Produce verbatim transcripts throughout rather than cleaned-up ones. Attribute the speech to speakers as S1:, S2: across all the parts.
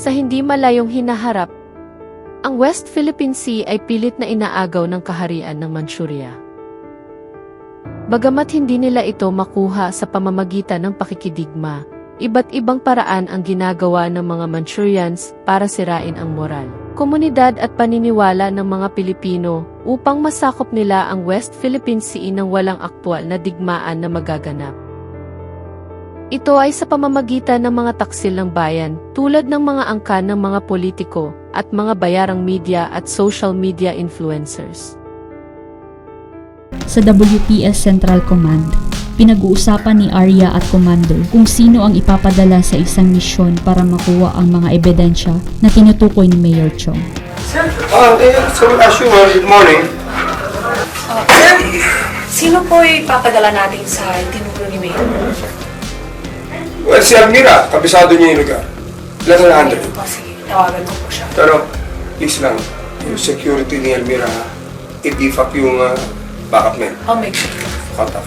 S1: Sa hindi malayong hinaharap, ang West Philippine Sea ay pilit na inaagaw ng kaharian ng Manchuria. Bagamat hindi nila ito makuha sa pamamagitan ng pakikidigma, iba't ibang paraan ang ginagawa ng mga Manchurians para sirain ang moral, komunidad at paniniwala ng mga Pilipino upang masakop nila ang West Philippine Sea nang walang aktwal na digmaan na magaganap. Ito ay sa pamamagitan ng mga taksil ng bayan, tulad ng mga angkan ng mga politiko at mga bayarang media at social media influencers.
S2: Sa W P S Central Command, pinag-uusapan ni Arya at Commander kung sino ang ipapadala sa isang misyon para makuha ang mga ebidensya na tinutukoy ni Mayor Chong.
S3: Sir, uh, eh, so as usual, good morning.
S4: Uh, sir, sino po ipapadala natin sa tinuro ni Mayor?
S3: Well, si Almira, kabisado niya yung lugar. Ilan na hundred?
S4: Oh, sige, tawagan ko po siya.
S3: Pero, please lang, yung security ni Almira, i-beef up yung uh, backup men.
S4: I'll make sure.
S3: Contact.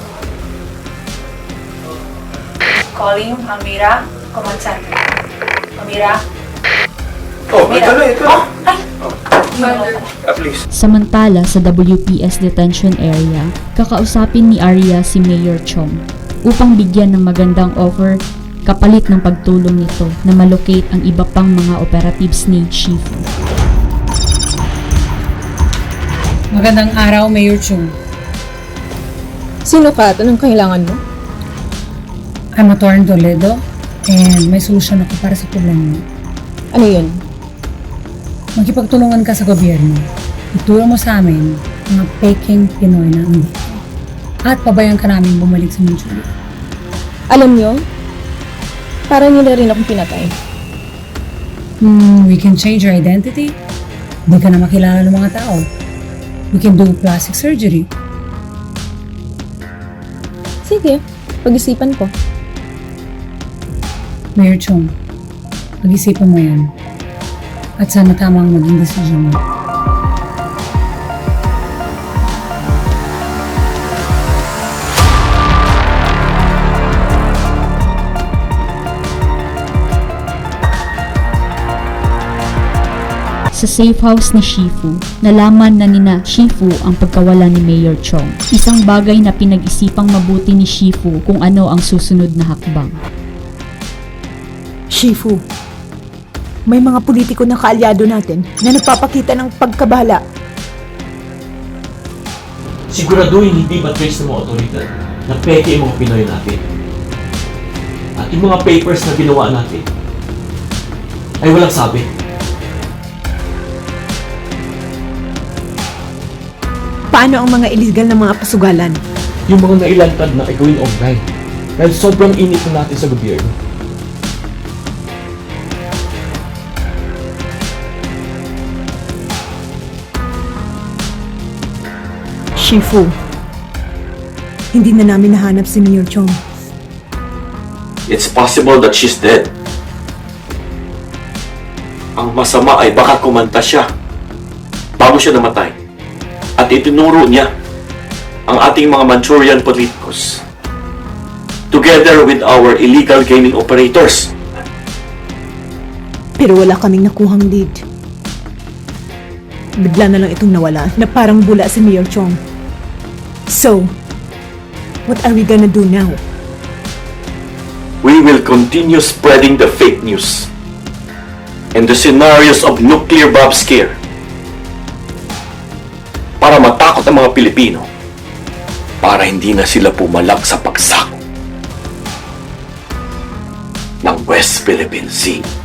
S4: Calling, Almira, Command Center. Almira?
S3: Oh, ito na, ito na.
S4: Oh, ay!
S3: At least.
S2: Samantala sa W P S Detention Area, kakausapin ni Arya si Mayor Chong upang bigyan ng magandang offer kapalit ng pagtulong nito na malocate ang iba pang mga operatives ni Shifu.
S5: Magandang araw, Mayor Chung.
S6: Sino ka at anong kailangan mo?
S5: I'm Attorney Toledo and may solusyon ako para sa problema mo.
S6: Ano yun?
S5: Magkipagtulungan ka sa gobyerno. Ituro mo sa amin mga peking Pinoy na hindi. At pabayaan ka namin bumalik sa Manchuria.
S6: Alam nyo, parang nila rin akong pinatay.
S5: Hmm, we can change your identity. Hindi ka na makilala ng mga tao. We can do plastic surgery.
S6: Sige, pag-isipan ko.
S5: Mayor Chung, pag-isipan mo yan. At sana tama ang maging desisyon mo.
S2: Sa safe house ni Shifu, nalaman na nina Shifu ang pagkawala ni Mayor Chong. Isang bagay na pinag-isipang mabuti ni Shifu kung ano ang susunod na hakbang.
S7: Shifu, may mga politiko na kaalyado natin na nagpapakita ng pagkabahala.
S8: Siguraduhin hindi matrace ng mga otoridad na peke yung mga Pinoy natin. At yung mga papers na ginawa natin ay walang sabi.
S7: Paano ang mga illegal na mga pasugalan?
S8: Yung mga nailantad na igawin online dahil sobrang init na natin sa gobyerno.
S7: Shifu, hindi na namin nahanap si Mayor Chong.
S9: It's possible that she's dead. Ang masama ay baka kumanta siya bago siya namatay. At itinuro niya ang ating mga Manchurian politicos together with our illegal gaming operators.
S7: Pero wala kaming nakuhang lead. Bigla na lang itong nawala na parang bula si Mayor Chong. So, what are we gonna do now?
S9: We will continue spreading the fake news and the scenarios of nuclear bomb scare para matakot ang mga Pilipino para hindi na sila pumalak sa pagsako ng West Philippine Sea.